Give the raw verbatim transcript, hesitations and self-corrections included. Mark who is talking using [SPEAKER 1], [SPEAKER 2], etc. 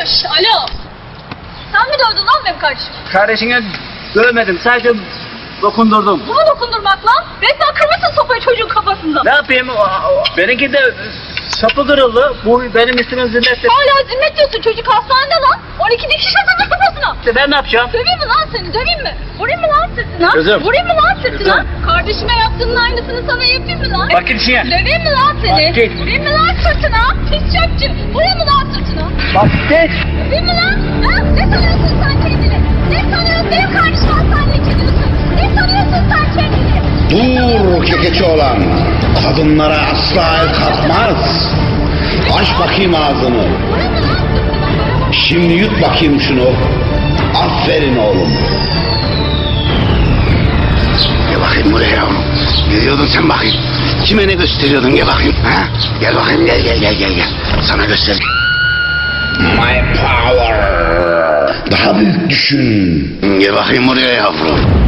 [SPEAKER 1] Şşş, alo. Sen mi dövdün lan benim kardeşim?
[SPEAKER 2] Kardeşine dövmedim, sadece dokundurdum.
[SPEAKER 1] Bu mu dokundurmak lan? Resmen kırmışsın sopayı çocuğun kafasında.
[SPEAKER 2] Ne yapayım? O- o- Benimki de sapı kırıldı. Bu benim ismim zimmetli.
[SPEAKER 1] Hala zimmet diyorsun, çocuk hastanede lan. on iki dikiş atıldı kafasına.
[SPEAKER 2] İşte ben ne yapacağım?
[SPEAKER 1] Döveyim mi lan seni, döveyim mi? Vurayım mı lan sırtına?
[SPEAKER 2] Kızım.
[SPEAKER 1] Vurayım mı lan sırtına?
[SPEAKER 2] Kızım.
[SPEAKER 1] Kardeşime yaptığının aynısını sana yapayım mı lan?
[SPEAKER 2] Bak git işine.
[SPEAKER 1] Döveyim mi lan seni?
[SPEAKER 2] Bak git.
[SPEAKER 1] Vurayım mı lan sırtına? Pis çöpçü. Vurayım mı lan sırtına?
[SPEAKER 2] Bak git.
[SPEAKER 1] Döveyim mi lan? Ha? Ne sanıyorsun sen kendini? Ne sanıyorsun? Benim kardeşim hastaneye gidiyorsun. Ne sanıyorsun sen kendini?
[SPEAKER 3] Dur kekeçi olan. Kadınlara asla el kalkmaz. Aç bakayım ağzını.
[SPEAKER 1] Vurayım mı lan sırtına?
[SPEAKER 3] Şimdi yut bakayım şunu. Aferin oğlum. Gel bakayım buraya yavrum. Ne diyordun sen bakayım? Kime ne gösteriyordun gel bakayım. Ha? Gel bakayım gel gel gel gel gel. Sana göster. My power. Daha büyük düşün. Gel bakayım buraya yavrum.